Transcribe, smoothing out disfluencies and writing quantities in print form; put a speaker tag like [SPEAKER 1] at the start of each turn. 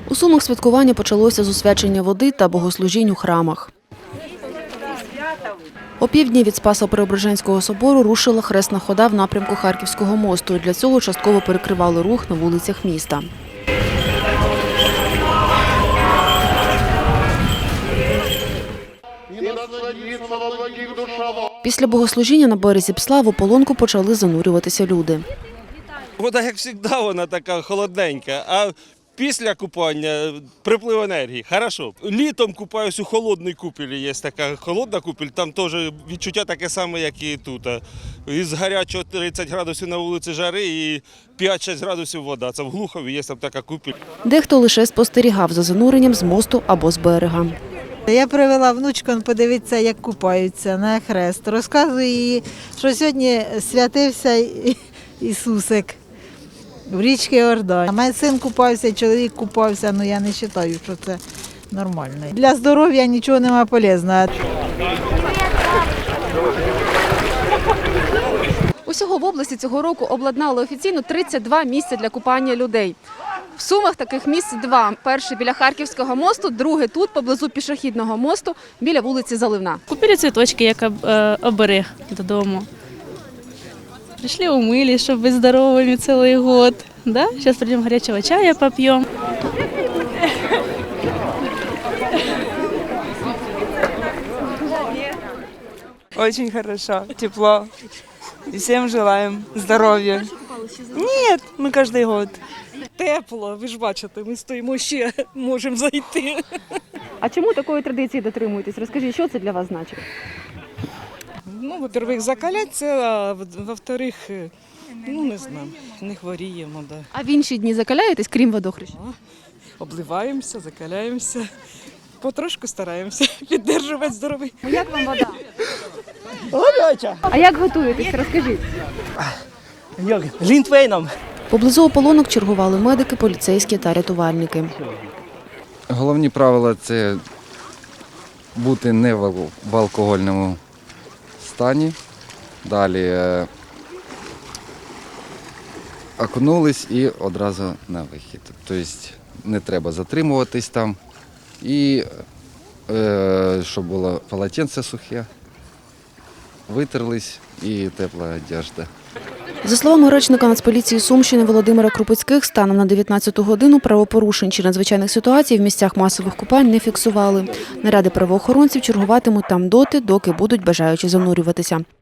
[SPEAKER 1] У Сумах святкування почалося з освячення води та богослужінь у храмах. О півдні від Спасо-Преображенського собору рушила хресна хода в напрямку Харківського мосту. Для цього частково перекривали рух на вулицях міста. Після богослужіння на березі Псла в ополонку почали занурюватися люди.
[SPEAKER 2] Вода, як завжди, вона така холодненька, а після купання приплив енергії. Хорошо. Літом купаюсь у холодній купелі, є така холодна купель, там теж відчуття таке саме, як і тут. Із гарячого 30 градусів на вулиці жари і 5-6 градусів вода. Це в Глухові є там така купель.
[SPEAKER 1] Дехто лише спостерігав за зануренням з мосту або з берега.
[SPEAKER 3] Я привела внучку подивитися, як купаються на хрест. Розказую їй, що сьогодні святився Ісусик в річці Йордан. Мій син купався, чоловік купався, але я не вважаю, що це нормально. Для здоров'я нічого немає полезного.
[SPEAKER 4] Усього в області цього року обладнали офіційно 32 місця для купання людей. В Сумах таких місць два. Перше біля Харківського мосту, друге тут, поблизу пішохідного мосту, біля вулиці Заливна.
[SPEAKER 5] Купили цвіточки, як оберег додому. Прийшли умились, щоб бути здоровими цілий год. Да? Зараз прийдемо гарячого чаю поп'ємо.
[SPEAKER 6] Очень хорошо, тепло. И всем желаем здоровья. Нет, мы каждый год.
[SPEAKER 7] Тепло, ви ж бачите, ми стоїмо ще, можемо зайти.
[SPEAKER 4] А чому такої традиції дотримуєтесь? Розкажіть, що це для вас значить?
[SPEAKER 7] Ну, во-первых, закаляться, а во-вторых, ну не знаю, не хворіємо. Да.
[SPEAKER 4] А в інші дні закаляєтесь, крім водохреща?
[SPEAKER 7] Обливаємося, закаляємося, потрошку стараємося підтримувати здоров'я.
[SPEAKER 4] Як вам вода? А як готуєтесь? Розкажіть.
[SPEAKER 6] Глінтвейном.
[SPEAKER 1] Поблизу ополонок чергували медики, поліцейські та рятувальники.
[SPEAKER 8] Головні правила – це бути не в алкогольному стані. Далі окунулись і одразу на вихід. Тобто не треба затримуватись там. І щоб було полотенце сухе, витерлись і тепла одежда.
[SPEAKER 1] За словами речника Нацполіції Сумщини Володимира Крупицьких, станом на 19-ту годину правопорушень чи надзвичайних ситуацій в місцях масових купань не фіксували. Наряди правоохоронців чергуватимуть там доти, доки будуть бажаючі занурюватися.